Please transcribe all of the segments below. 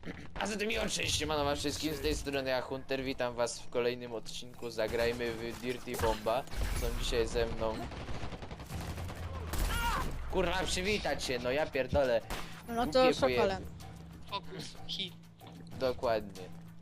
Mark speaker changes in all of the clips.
Speaker 1: A zatem miło cześć, siemano wszystkim, z tej strony ja Hunter, witam was w kolejnym odcinku Zagrajmy w Dirty Bomba. Są dzisiaj ze mną... Kurwa, przywitać się, no ja pierdolę.
Speaker 2: No
Speaker 1: Głupie
Speaker 2: to Sokolem.
Speaker 3: Fokus, hit.
Speaker 1: Dokładnie.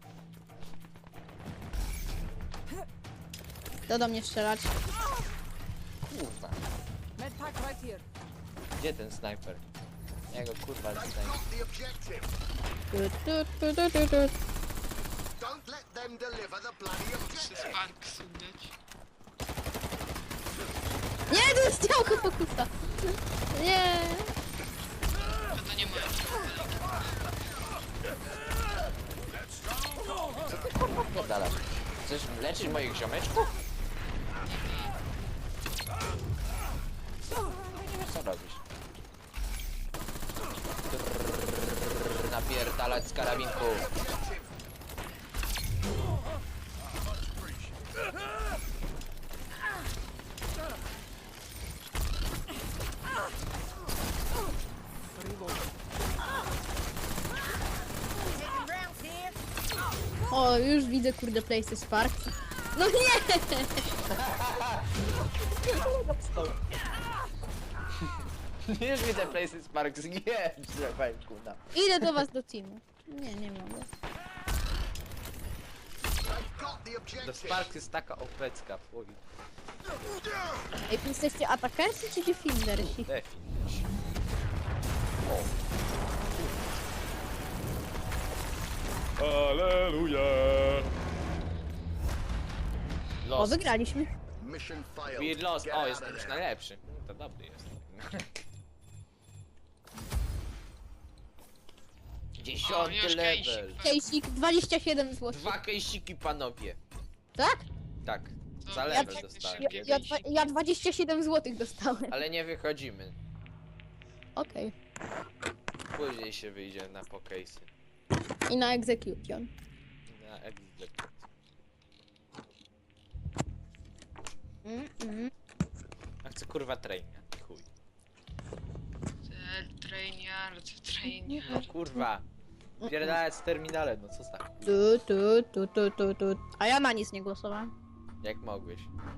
Speaker 2: To do mnie strzelać.
Speaker 1: Kurwa,
Speaker 4: Medpack right here.
Speaker 1: gdzie ten snajper? Ja go kurwa snajper.
Speaker 5: The objective.
Speaker 2: Tu.
Speaker 5: Don't let them deliver the bloody
Speaker 3: Przez
Speaker 5: objective.
Speaker 3: park sudać.
Speaker 2: Nie, to jest działko fokusa. Nie.
Speaker 3: To nie moja
Speaker 1: Pierdala. Chcesz leczyć moich ziomeczków? Nie wiesz co robisz. Napierdalać z karabinku.
Speaker 2: O, już widzę kurde Places Spark. No nie!
Speaker 1: Już widzę Places Sparks, nie! Zrywaj kuna.
Speaker 2: Idę do was do teamu. Nie mogę.
Speaker 5: They've got the
Speaker 1: To
Speaker 5: objective.
Speaker 1: Sparks jest taka opecka, fuj.
Speaker 2: Ej, wy jesteście atakersi czy defendersi?
Speaker 1: Definić.
Speaker 6: Aleluja!
Speaker 2: O,
Speaker 1: Lost.
Speaker 2: wygraliśmy.
Speaker 5: Mission failed.
Speaker 1: We lost.
Speaker 5: Get
Speaker 1: O,
Speaker 5: out
Speaker 1: jestem
Speaker 5: of
Speaker 1: już
Speaker 5: there.
Speaker 1: najlepszy. To dobry jest. 10
Speaker 3: O, już
Speaker 1: level.
Speaker 3: kejsik.
Speaker 2: Kejsik 27 zł.
Speaker 1: 2 kejsiki, panowie.
Speaker 2: Tak?
Speaker 1: Tak, za
Speaker 3: Ja
Speaker 1: level
Speaker 3: tak
Speaker 1: dostałem.
Speaker 3: szybkie.
Speaker 2: Ja 27 zł dostałem.
Speaker 1: Ale nie wychodzimy.
Speaker 2: Okej.
Speaker 1: Później się wyjdzie na pokejsy.
Speaker 2: I na execution.
Speaker 1: Na execute. A chcę kurwa traina. Chuj.
Speaker 3: Trainiard.
Speaker 1: No kurwa. Pierdalać z terminale, no co tak?
Speaker 2: Tu. A ja na nic nie głosowałem.
Speaker 1: Jak mogłeś?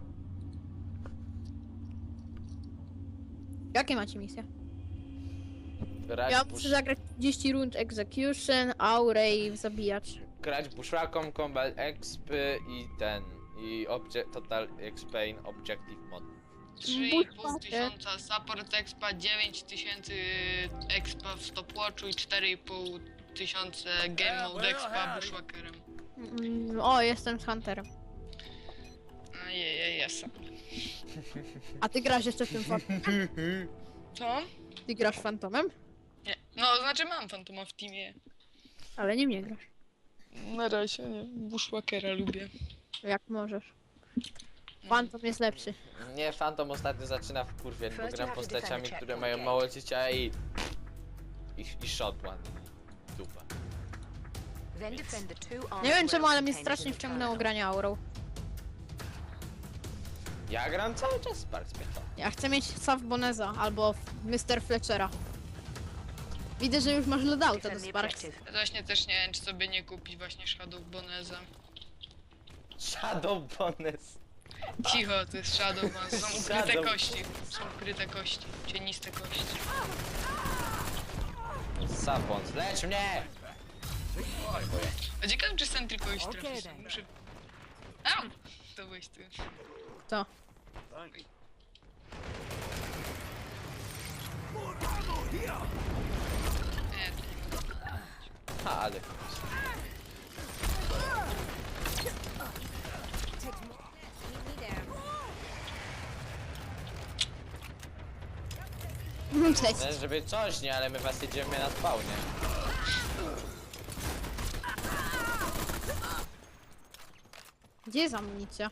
Speaker 2: Jakie macie misje?
Speaker 1: Grać,
Speaker 2: Ja muszę zagrać 30 rund execution, aurę i zabijacz.
Speaker 1: grać bushwhackom, combat exp i ten. I total explain objective mod.
Speaker 3: 3,5 tysiąca support expa, 9000 expa w stopwatchu i 4,5 tysiące game mode expa bushwhackerem.
Speaker 2: O, jestem z Hunterem.
Speaker 3: Ajajaj, jasem.
Speaker 2: A ty grasz jeszcze w tym fantomem?
Speaker 3: Co?
Speaker 2: Ty grasz fantomem?
Speaker 3: Nie. No, znaczy mam fantoma w teamie.
Speaker 2: Ale nie mnie grasz.
Speaker 3: Na razie nie. Bushwhackera lubię.
Speaker 2: Jak możesz. Fantom jest lepszy.
Speaker 1: Nie, Phantom ostatnio zaczyna wkurwiać, bo gram postaciami, które mają mało życia i shot one. Dupa.
Speaker 2: Nie wiem czemu, ale mnie strasznie wciągnęło granie aurą.
Speaker 1: Ja gram cały czas Sparks mnie to.
Speaker 2: Ja chcę mieć Sav Boneza albo Mr. Fletchera. Widzę, że już masz loadouta do Sparks.
Speaker 3: Ja właśnie też nie wiem, czy sobie nie kupić właśnie Shadow Boneza.
Speaker 1: Shadow Bonus.
Speaker 3: Cicho, to jest Shadow Bonez. Są ukryte
Speaker 1: Shadow.
Speaker 3: kości. Są ukryte kości. Cieniste kości.
Speaker 1: Sapons, lecz mnie!
Speaker 3: A ciekawe, czy sen tylko iść
Speaker 4: Okej,
Speaker 3: trafić.
Speaker 4: then.
Speaker 3: Muszę... Au! To byłeś ty.
Speaker 2: To.
Speaker 3: Nie, to nie.
Speaker 1: Ha, ale...
Speaker 2: Cześć.
Speaker 1: No, żeby coś, nie, ale my was jedziemy na spawnie.
Speaker 2: Gdzie jest amunicja?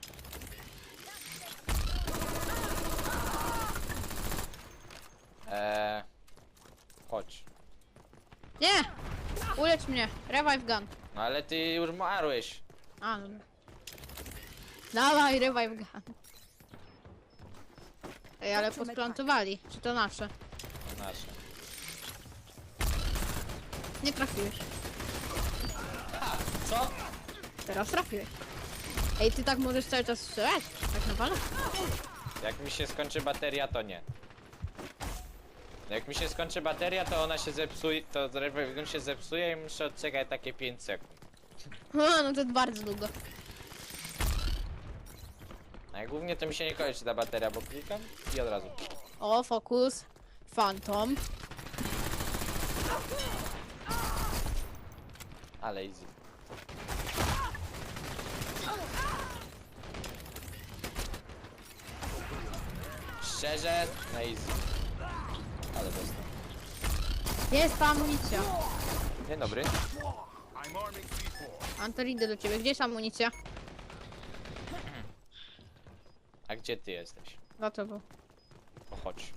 Speaker 1: Chodź.
Speaker 2: Nie! Ulecz mnie. Revive gun.
Speaker 1: No ale ty już marłeś.
Speaker 2: A, dobra. Dawaj, revive gun. Ej, ale podplantowali. Czy to nasze?
Speaker 1: Nasze.
Speaker 2: Nie trafiłeś.
Speaker 1: Co?
Speaker 2: Teraz trafiłeś. Ej, ty tak możesz cały czas strzelać? Tak naprawdę?
Speaker 1: Jak mi się skończy bateria, to nie. Jak mi się skończy bateria, to ona się zepsuje, to on się zepsuje i muszę odczekać takie 5 sekund.
Speaker 2: No to bardzo długo.
Speaker 1: A jak głównie to mi się nie kończy ta bateria, bo klikam i od razu.
Speaker 2: O, fokus. Phantom.
Speaker 1: Ale easy. Szczerze, na easy. Ale dostał.
Speaker 2: Jest ta amunicja.
Speaker 1: Dzień dobry.
Speaker 2: Anton, idę do ciebie. Gdzie jest amunicja?
Speaker 1: A gdzie ty jesteś?
Speaker 2: Za tobą.
Speaker 1: O, chodź.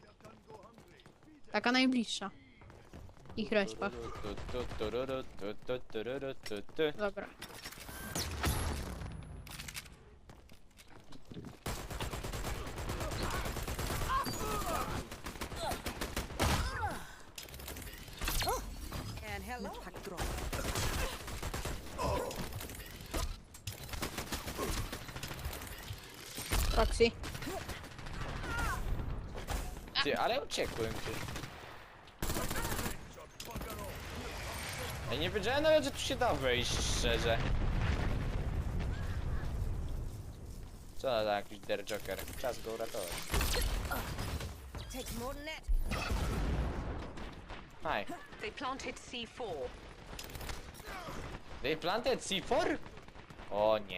Speaker 2: Taka najbliższa. Ich respa. Dobra.
Speaker 4: And hello. Pack drop.
Speaker 2: Roxy.
Speaker 1: Ty, ale uciekłem ty. Ja nie wiedziałem nawet, że tu się da wejść, szczerze. Co za jakiś der joker? Czas go uratować.
Speaker 4: Takes more than that.
Speaker 1: Hi.
Speaker 4: They planted C4.
Speaker 1: They planted C4? O nie.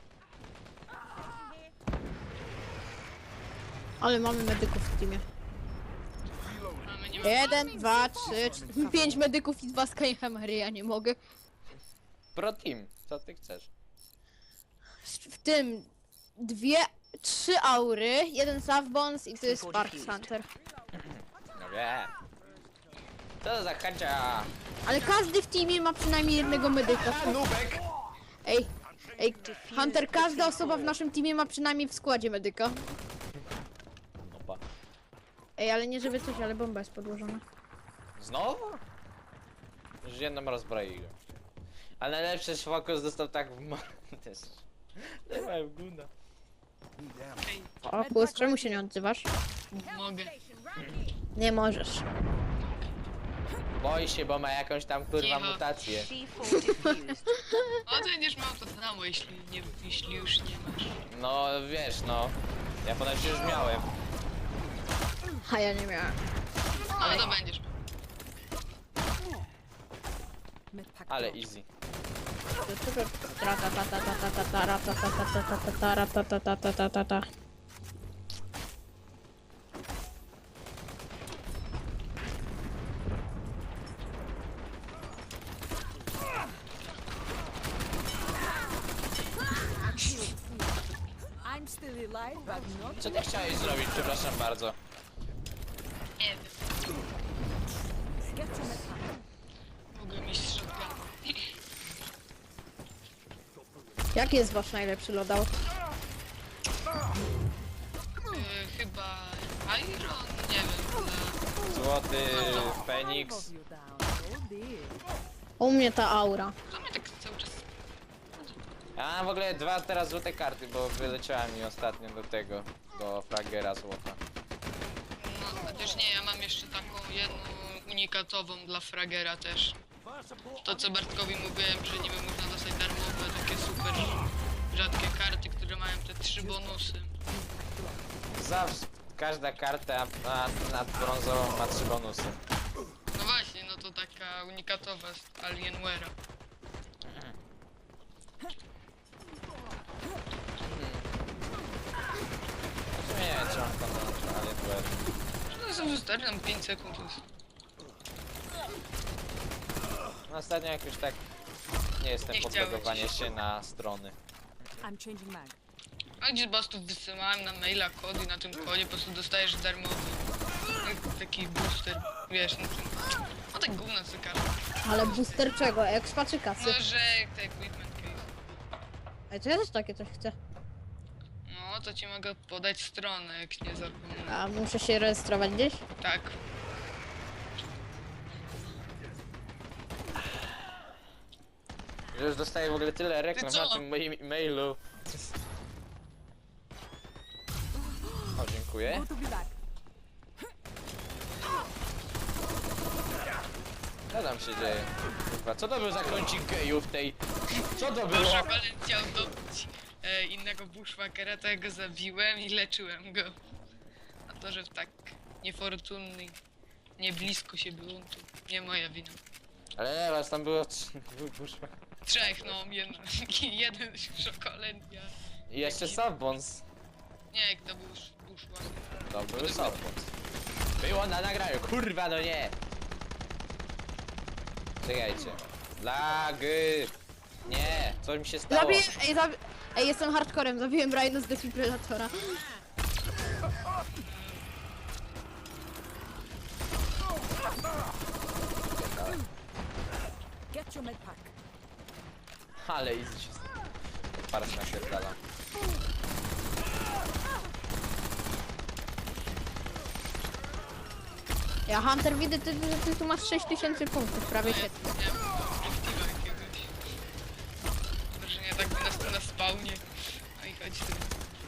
Speaker 2: Ale mamy medyków w teamie.
Speaker 3: Mamy nie
Speaker 2: 1, 2, 3, 4, 5 medyków i 2 Skyhammery, ja nie mogę.
Speaker 1: Pro team, co ty chcesz?
Speaker 2: W tym 3 aury, 1 Savbones i to jest Spark Hunter.
Speaker 1: No wiem. Co za kacia?
Speaker 2: Ale każdy w teamie ma przynajmniej jednego medyka.
Speaker 1: Nubek!
Speaker 2: Ej, Hunter, każda osoba w naszym teamie ma przynajmniej w składzie medyka.
Speaker 1: Opa.
Speaker 2: Ej, ale nie żeby coś, ale bomba jest podłożona.
Speaker 1: Znowu? Już jedną rozbroiłem. Ale najlepszy fokus dostał tak w też. Nie ma w guna.
Speaker 2: O, Kus, czemu się nie odzywasz?
Speaker 3: mogę.
Speaker 2: Nie możesz.
Speaker 1: Boi się, bo ma jakąś tam kurwa
Speaker 3: Cicho.
Speaker 1: mutację.
Speaker 4: C4 defused.
Speaker 3: A ty będziesz miał to samo, jeśli już nie masz.
Speaker 1: No wiesz, no. Ja ponoć już miałem.
Speaker 2: A ja nie miałem.
Speaker 3: No to będziesz miał.
Speaker 4: Med pack
Speaker 1: Ale
Speaker 4: drop.
Speaker 1: easy.
Speaker 4: I'm still alive, but not.
Speaker 1: Co ty chciałeś zrobić? Przepraszam bardzo.
Speaker 3: Nie wiem.
Speaker 4: Get to med pack.
Speaker 3: Mogę mieć shotgun.
Speaker 2: Jaki jest wasz najlepszy loadout?
Speaker 3: Chyba Iron? Nie wiem.
Speaker 1: Złoty Feniks.
Speaker 4: Above you down. Oh dear.
Speaker 2: U mnie ta aura.
Speaker 3: To mnie tak cały czas...
Speaker 1: Ja mam w ogóle 2 teraz złote karty, bo wyleciała mi ostatnio do tego, do fragera złota.
Speaker 3: No, chociaż nie, ja mam jeszcze taką jedną unikatową dla fragera też. To co Bartkowi mówiłem, że niby można dostać darmowe, takie super rzadkie karty, które mają te 3 bonusy.
Speaker 1: Zawsze każda karta nad brązową ma 3 bonusy.
Speaker 3: No właśnie, no to taka unikatowa z Alienware'a.
Speaker 1: W sumie nie wiem, czy mam tam Alienware.
Speaker 3: No są wystarczy nam 5 sekund. To jest...
Speaker 1: No ostatnio jakoś tak nie jestem
Speaker 3: Nie
Speaker 1: podlogowanie
Speaker 3: chciałeś.
Speaker 1: się na strony.
Speaker 4: I'm changing mag.
Speaker 3: A gdzieś po prostu wysyłałem na maila kod i na tym kodzie po prostu dostajesz darmowy taki booster, wiesz, no tak gówna cykara.
Speaker 2: Ale booster czego? Expa czy kasy?
Speaker 3: No, że te equipment case.
Speaker 2: Ej, to ja też takie coś chcę.
Speaker 3: No, to ci mogę podać stronę, jak nie zapomnę.
Speaker 2: A muszę się rejestrować gdzieś?
Speaker 3: Tak.
Speaker 1: Że już dostaję w ogóle tyle reklam
Speaker 3: Ty co?
Speaker 1: na tym moim e-mailu. O, dziękuję.
Speaker 4: Good to be back.
Speaker 1: Co tam się dzieje? Kurwa, co to był za kącik gejów tej... Co to było?
Speaker 3: Proszę, ale chciał dobić innego bushwhackera, to ja go zabiłem i leczyłem go. A to, że w tak niefortunny, nie blisko się było, to nie moja wina.
Speaker 1: Ale nie, was tam było... Kurwa.
Speaker 3: Trzech, no, jeden szokolen, ja...
Speaker 1: I jeszcze Softbones.
Speaker 3: Nie, to był bushwhacker.
Speaker 1: To był Softbones. Było na nagraniu, kurwa, no nie! Czekajcie. Lagy! Nie, co mi się stało?
Speaker 2: Ej, jestem hardcorem, zabiłem Rhino z defibrylatora.
Speaker 4: Get your med pack.
Speaker 1: Ale easy się stało. Paras naświetlala.
Speaker 2: Ja Hunter widzę, że ty tu masz 6000 punktów, prawie 7.
Speaker 3: Nie wiem, perspektywa jakiegoś. Wrażenie tak by na spawnie. No i chodź tu.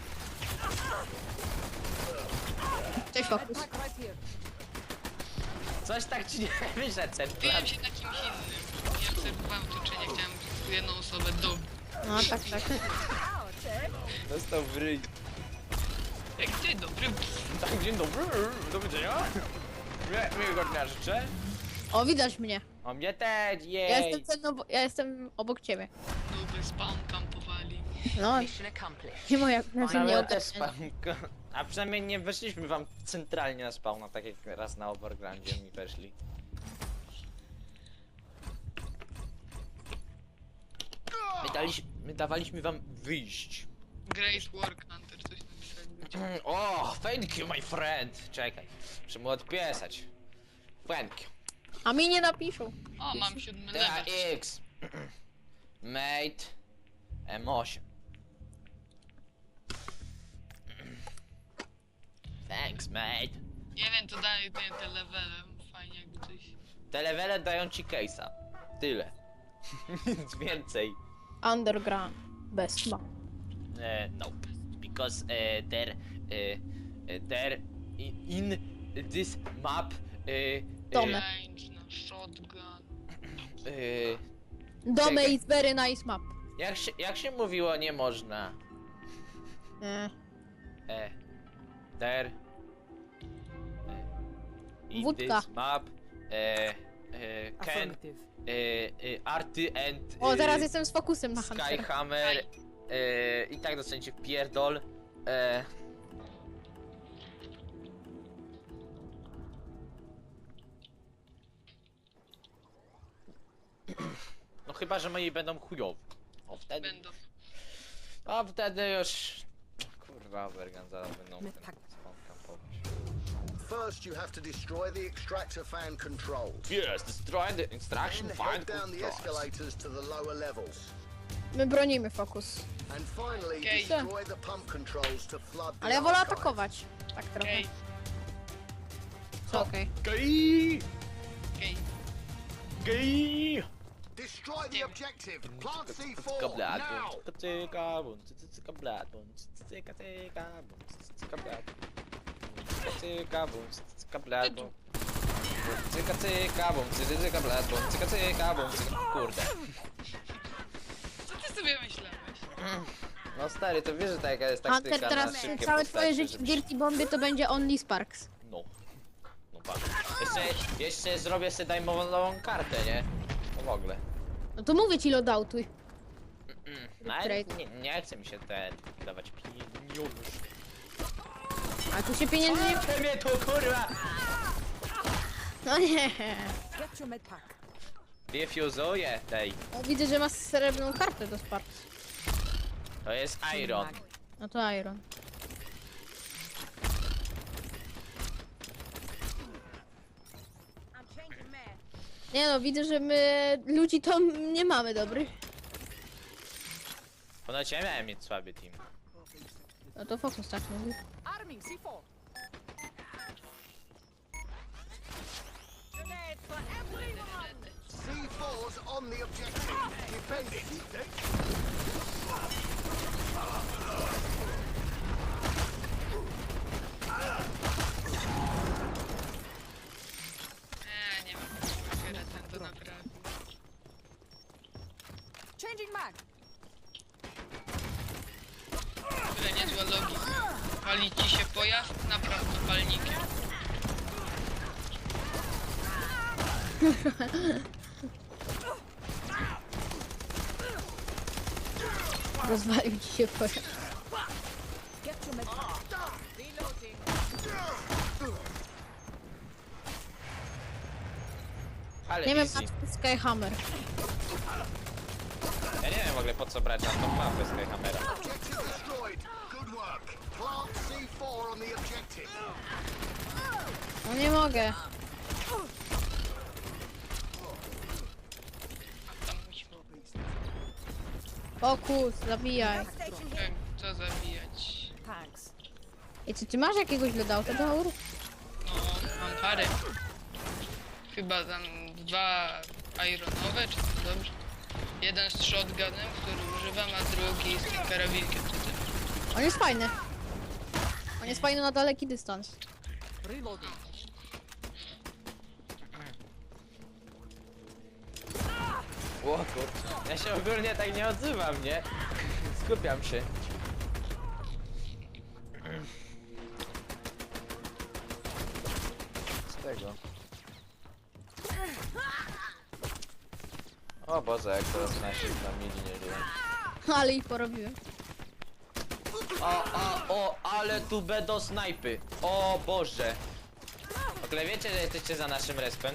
Speaker 2: Cześć,
Speaker 4: Med
Speaker 2: Fokus.
Speaker 4: pack right here.
Speaker 1: Coś tak ci nie wyszedł ten plan.
Speaker 3: Biłem się na kimś innym. Nie obserwowałem otoczenia, chciałem tylko jedną osobę dobić.
Speaker 2: No tak, tak.
Speaker 1: Dostał w ryj.
Speaker 3: Jak dzień dobry.
Speaker 1: Tak, dzień dobry, do widzenia. Miłego dnia życzę.
Speaker 2: O, widać mnie.
Speaker 1: O mnie też, jej.
Speaker 2: Ja jestem obok ciebie.
Speaker 3: Dobry spawn kampowali.
Speaker 2: No, nie moja,
Speaker 1: No,
Speaker 2: nie
Speaker 1: ale też
Speaker 2: ogarnianie.
Speaker 1: spawn. A przynajmniej nie weszliśmy wam centralnie na spawna, tak jak raz na Overgroundzie mi weszli. My dawaliśmy wam wyjść.
Speaker 3: Great work, Hunter, coś napisałem.
Speaker 1: O, thank you my friend. Czekaj, muszę mu odpisać. Thank you.
Speaker 2: A mi nie napiszą.
Speaker 3: O, mam 7 level.
Speaker 1: TX. Mate. M8. Thanks, mate.
Speaker 3: Nie wiem, to daje te levele. Fajnie jakby coś.
Speaker 1: Te levele dają ci case'a. Tyle. Nic więcej.
Speaker 2: Underground. Best map.
Speaker 1: No. Because there in this map
Speaker 2: Dome.
Speaker 3: Range na shotgun.
Speaker 2: Dome
Speaker 1: Czekaj.
Speaker 2: is very nice map.
Speaker 1: jak się mówiło nie można? There in
Speaker 2: Wódka.
Speaker 1: this map can
Speaker 4: Affirmative.
Speaker 1: Arty and
Speaker 2: O, teraz jestem z fokusem na Huntera.
Speaker 1: Skyhammer i tak dostaniecie w pierdol. No chyba, że moi będą chujowi. O wtedy.
Speaker 3: Będą.
Speaker 1: A wtedy już. Kurwa, Bergan zaraz będą
Speaker 4: My
Speaker 1: ten
Speaker 4: tak.
Speaker 1: spawn campować.
Speaker 5: First, you have to destroy the extractor fan controls.
Speaker 1: Yes, destroy the extraction
Speaker 5: Then
Speaker 1: fine
Speaker 5: head down the escalators to the lower levels.
Speaker 2: My bronimy fokus.
Speaker 5: And finally,
Speaker 3: Okay.
Speaker 5: destroy the pump controls to flood the
Speaker 2: Ale ja wolę
Speaker 5: archive.
Speaker 2: atakować. Tak trochę.
Speaker 3: Okej,
Speaker 2: Co okej.
Speaker 1: Gej!
Speaker 3: okej.
Speaker 1: Gej!
Speaker 5: Destroy the objective. Plant C4
Speaker 1: Cyka blad,
Speaker 5: now.
Speaker 1: cyka cyka, bum, cyka blad, bum, cyka cyka, bum, cyka blad. Cyka bum, cyka blad, bum. Cyka cyka, bum, cyka blad, bum, cyka cyka, bum, cyka... Kurde.
Speaker 3: Co ty sobie myślałeś?
Speaker 1: No stary, to wiesz, że taka jest taktyka
Speaker 2: Hunter, teraz
Speaker 1: na szybkie
Speaker 2: całe
Speaker 1: postacie,
Speaker 2: twoje życie w
Speaker 1: żebyś-
Speaker 2: Dirty Bombie to będzie Only Sparks.
Speaker 1: No. No patrz. Jeszcze zrobię sobie dajmową kartę, nie? No w ogóle.
Speaker 2: No to mówię ci loadoutuj.
Speaker 1: No, ale
Speaker 2: Trade.
Speaker 1: nie chce mi się dawać pieniądze.
Speaker 2: A tu się pieniędzy nie...
Speaker 1: Chce mnie to kurwa!
Speaker 2: No nie.
Speaker 4: Get your med pack.
Speaker 1: Defuzuję tej.
Speaker 2: O, widzę, że masz srebrną kartę do Sparks.
Speaker 1: To jest Iron.
Speaker 2: No to Iron. Nie no, widzę, że my ludzi to nie mamy dobrych.
Speaker 1: Ponoć ja miałem mieć słaby team.
Speaker 2: No to fokus tak mówi.
Speaker 4: Arming C4. Grenade for everyone.
Speaker 5: C4's on the objective. Defend it.
Speaker 3: Nie mam fragera, ten to naprawdę.
Speaker 4: Changing mag.
Speaker 3: Tyle niezła logika. Pali ci się pojazd, naprawdę palnikiem.
Speaker 2: Rozwalił ci się pojazd.
Speaker 4: Get your med.
Speaker 1: Ale
Speaker 2: Nie wiem,
Speaker 1: easy.
Speaker 2: na Skyhammer.
Speaker 1: Ja nie wiem w ogóle po co brać na tą mapę Skyhammera.
Speaker 5: Objective destroyed. Good work. Plant C4 on the objective.
Speaker 2: No nie mogę.
Speaker 3: Tam musimy...
Speaker 2: Fokus, zabijaj.
Speaker 3: Co zabijać?
Speaker 4: Thanks.
Speaker 2: I czy ty masz jakiegoś loadouta do aur?
Speaker 3: No, mam parę. Chyba tam 2 ironowe, czy to dobrze? Jeden z shotgunem, który używam, a drugi z tym karabinkiem tutaj.
Speaker 2: On jest fajny. On jest fajny na daleki dystans.
Speaker 4: Reloading.
Speaker 1: O kurczę. Ja się ogólnie tak nie odzywam, nie? Skupiam się. Z tego. O Boże, jak teraz nasi na mili nie żyją.
Speaker 2: Ale ich porobiłem.
Speaker 1: O, ale tu będą snajpy. O Boże. W ogóle wiecie, że jesteście za naszym respem?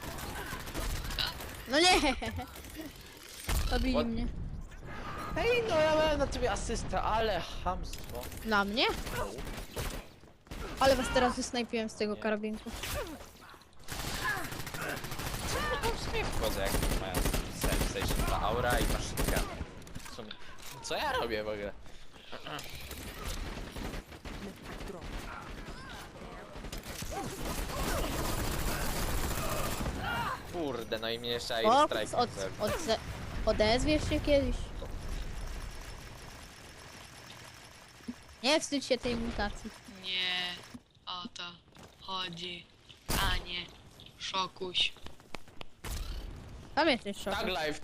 Speaker 2: No nie! Zabili
Speaker 1: What?
Speaker 2: mnie.
Speaker 1: Ej, no ja miałem na ciebie asystę, ale chamstwo.
Speaker 2: Na mnie? Ale was teraz wysnajpiłem z tego
Speaker 1: Nie.
Speaker 2: karabinku.
Speaker 1: W sumie wchodzę, jak mają Sensation, ta aura i maszynka. W sumie. Co ja robię w ogóle?
Speaker 4: Drop.
Speaker 1: Kurde, no i mnie jeszcze
Speaker 2: Fokus,
Speaker 1: Strike.
Speaker 2: odezwiesz się kiedyś. Nie wstydź się tej mutacji.
Speaker 3: Nie o to chodzi, a nie szokuś.
Speaker 2: Tam jesteś szok.
Speaker 1: Tag life.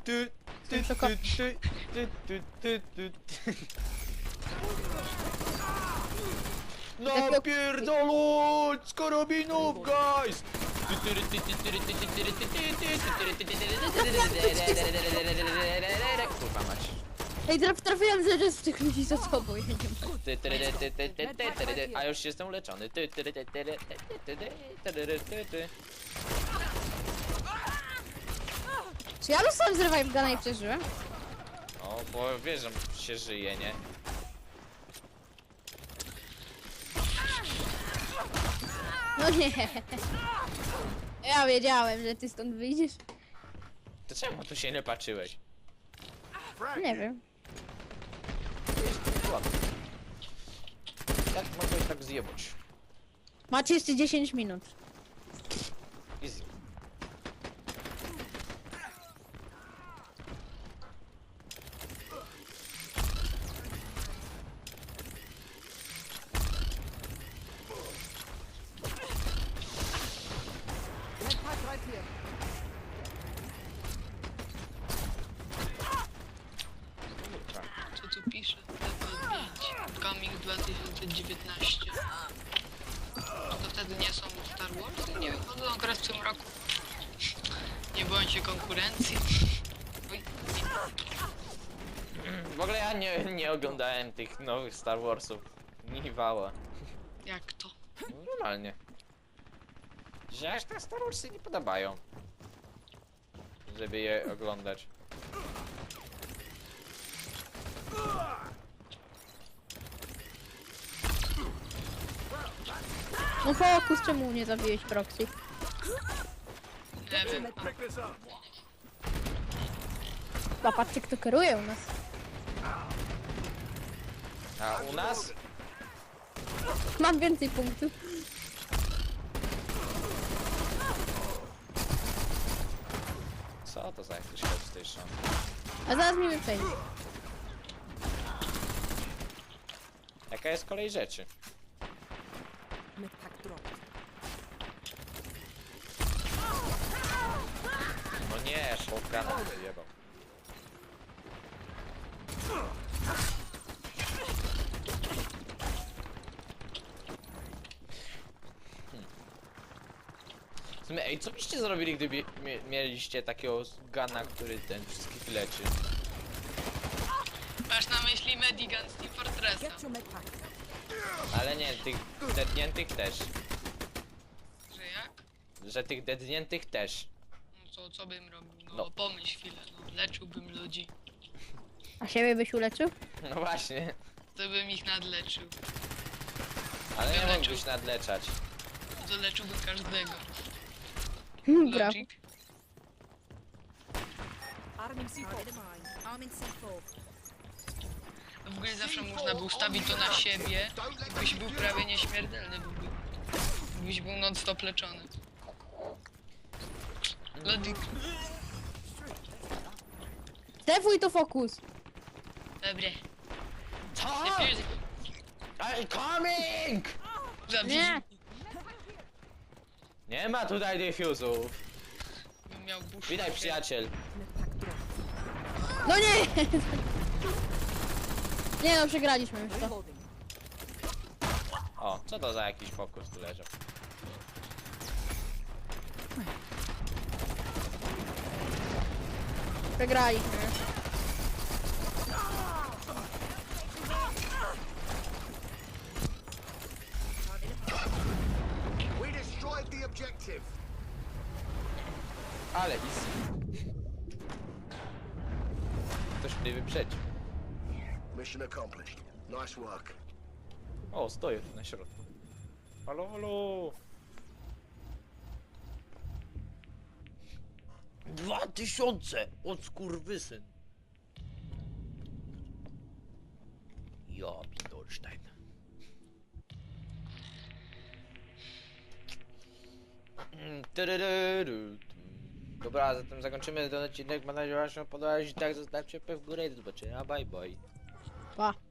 Speaker 1: No pierdoląc z karabinów, guys! Kurwa mać.
Speaker 2: Ej, trafiłem zaraz w tych ludzi za tobą, ja nie mogę.
Speaker 1: A już jestem uleczony.
Speaker 2: Czy ja dostałem z revive guna i przeżyłem?
Speaker 1: O, bo wiesz, że się żyje, nie?
Speaker 2: No nie. Ja wiedziałem, że ty stąd wyjdziesz.
Speaker 1: To czemu tu się nie patrzyłeś?
Speaker 2: Nie wiem.
Speaker 1: Jak mogłeś tak zjebać?
Speaker 2: Macie jeszcze 10 minut.
Speaker 1: Easy.
Speaker 4: Med pack right here.
Speaker 3: Co tu pisze? Level 5. Coming 2019. To wtedy nie są Star Wars? Nie wychodzą akurat w tym roku. Nie boją się konkurencji. Oj,
Speaker 1: W ogóle ja nie oglądałem tych nowych Star Warsów. Niwała.
Speaker 3: jak to?
Speaker 1: Normalnie. Że aż te Star Warsy nie podobają. Żeby je oglądać.
Speaker 2: No fokus, czemu nie zabiłeś proxy?
Speaker 3: Nie wiem.
Speaker 2: Patrzcie, kto kieruje u nas.
Speaker 1: A u nas?
Speaker 2: Mam więcej punktów.
Speaker 1: Co Co to za jakiś Hell Station?
Speaker 2: A zaraz mi przejdzie.
Speaker 1: Jaka jest kolej rzeczy?
Speaker 4: Medpack dropped.
Speaker 1: No nie, shotguna wyjebał. W sumie, ej, co byście zrobili, gdyby mieliście takiego gana, który ten wszystkich leczy?
Speaker 3: Masz na myśli Medigan z Team Fortressa.
Speaker 4: Get your medpack.
Speaker 1: Ale nie, tych dedniętych też.
Speaker 3: Że jak?
Speaker 1: Że tych dedniętych też.
Speaker 3: No co bym robił? No,
Speaker 1: No.
Speaker 3: pomyśl chwilę, no. Leczyłbym ludzi.
Speaker 2: A siebie byś uleczył?
Speaker 1: No właśnie.
Speaker 3: To bym ich nadleczył.
Speaker 1: Ale nie
Speaker 3: Ja
Speaker 1: mógłbyś nadleczać.
Speaker 3: To leczyłbym każdego.
Speaker 2: Brawo.
Speaker 3: Logic?
Speaker 4: Arming C4.
Speaker 3: W ogóle zawsze można było ustawić to na siebie i byś był prawie nieśmiertelny. Byś był non-stop leczony. Logic.
Speaker 2: Defuj to fokus.
Speaker 3: Dobre.
Speaker 1: Co?
Speaker 3: Defuse.
Speaker 1: I'm coming!
Speaker 3: Zabij.
Speaker 2: Nie.
Speaker 1: Nie ma tutaj defuzów.
Speaker 3: Bym miał busz.
Speaker 1: Witaj, przyjaciel.
Speaker 4: Medpack dropped.
Speaker 2: No nie! Nie no, przegraliśmy już to.
Speaker 4: Reloading.
Speaker 1: O, co to za jakiś fokus tu leżał?
Speaker 2: Przegraliśmy już.
Speaker 5: We destroyed the objective.
Speaker 1: Ale easy. Ktoś mnie wyprzedził.
Speaker 5: Mission accomplished. Nice work.
Speaker 1: O, stoję tu na środku. Halo, halo. 2000! Od skurwysyn. Ja, Pidolstein. Dobra, zatem zakończymy ten odcinek. Mam nadzieję, że Wam się podobał. Jeśli tak, zostawcie łapkę w górę i do zobaczenia. Bye bye.
Speaker 2: Pa.